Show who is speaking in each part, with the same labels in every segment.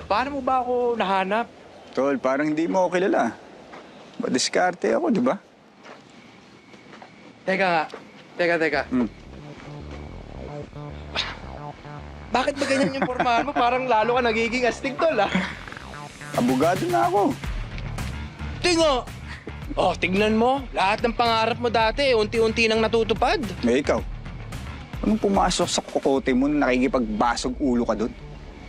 Speaker 1: Paano mo ba ako nahanap?
Speaker 2: Tol, parang hindi mo ako kilala. Madiskarte ako, di ba?
Speaker 1: Teka nga. Teka.
Speaker 2: Hmm.
Speaker 1: Bakit ba ganyan yung pormahan mo? Parang lalo ka nagiging astig, tol, ah.
Speaker 2: Abogado na ako.
Speaker 1: Tingo! Oh, tignan mo. Lahat ng pangarap mo dati, unti-unti nang natutupad.
Speaker 2: Eh, ikaw. Anong pumasok sa kokote mo na nakikipagbasog ulo ka doon?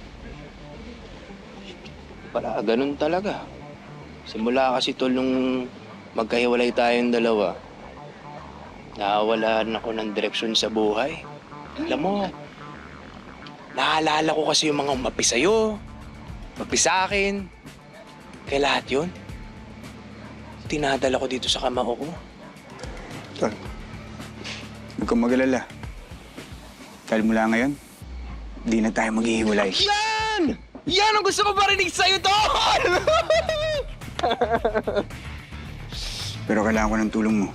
Speaker 1: Para ganun talaga. Simula kasi, tol, nung magkahiwalay tayong dalawa, nawalan ako ng direksyon sa buhay. Alam mo, naalala ko kasi yung mga umapi sa'yo, umapi sa akin. Kaya lahat yun, tinadala ko dito sa kamao ko.
Speaker 2: Tol, huwag kang mag-alala. Dahil mula ngayon, di na tayo maghihiwalay.
Speaker 1: Yan! Yan ang gusto ko marinig sa'yo, tol!
Speaker 2: Pero kailangan ko ng tulong mo.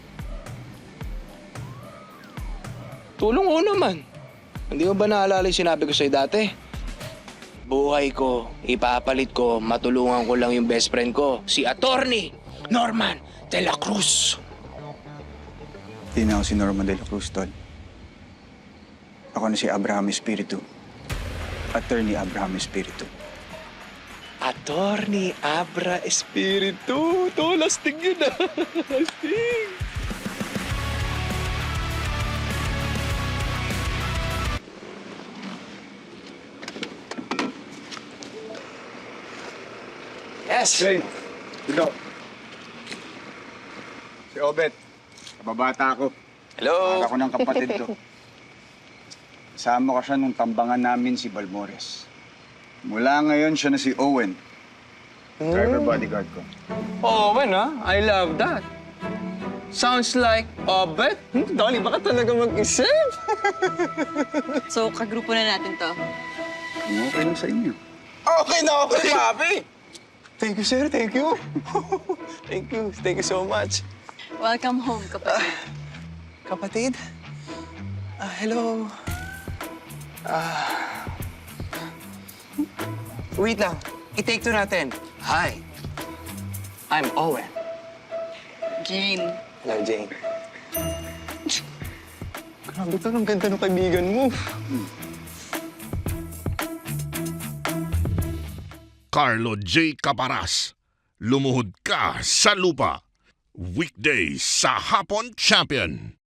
Speaker 1: Tulong ko naman. Hindi mo ba naalala yung sinabi ko sa'yo dati? Buhay ko, ipapalit ko, matulungan ko lang yung best friend ko, si Attorney Norman de la Cruz.
Speaker 2: Di na ako si Norman de la Cruz, Tol. Ako na si Abraham Espiritu. Attorney Abraham Espiritu.
Speaker 1: Attorney Abra Espiritu. Tol, astig yun, ah. Astig. Yes!
Speaker 2: Hey, dito. Si Obet. Kababata ako.
Speaker 1: Hello!
Speaker 2: Ako ng kapatid ko. Kasama ko siya nung tambangan namin si Balmores. Mula ngayon, siya na si Owen. Driver bodyguard ko.
Speaker 3: Owen, ha? I love that. Sounds like Obet. Dolly, baka talaga mag-isip.
Speaker 4: So, kagrupo na natin to.
Speaker 2: Okay lang sa inyo.
Speaker 3: Okay na okay, papi. Thank you, sir. Thank you. Thank you. Thank you so much.
Speaker 4: Welcome home, kapatid.
Speaker 3: Kapatid? Hello. Wait lang. I-take two natin. Hi. I'm Owen.
Speaker 4: Jane.
Speaker 3: Hello, Jane. Grabe to, ang ganda ng kaibigan mo.
Speaker 5: Carlo J. Caparas, lumuhod ka sa lupa. Weekdays sa Hapon Champion.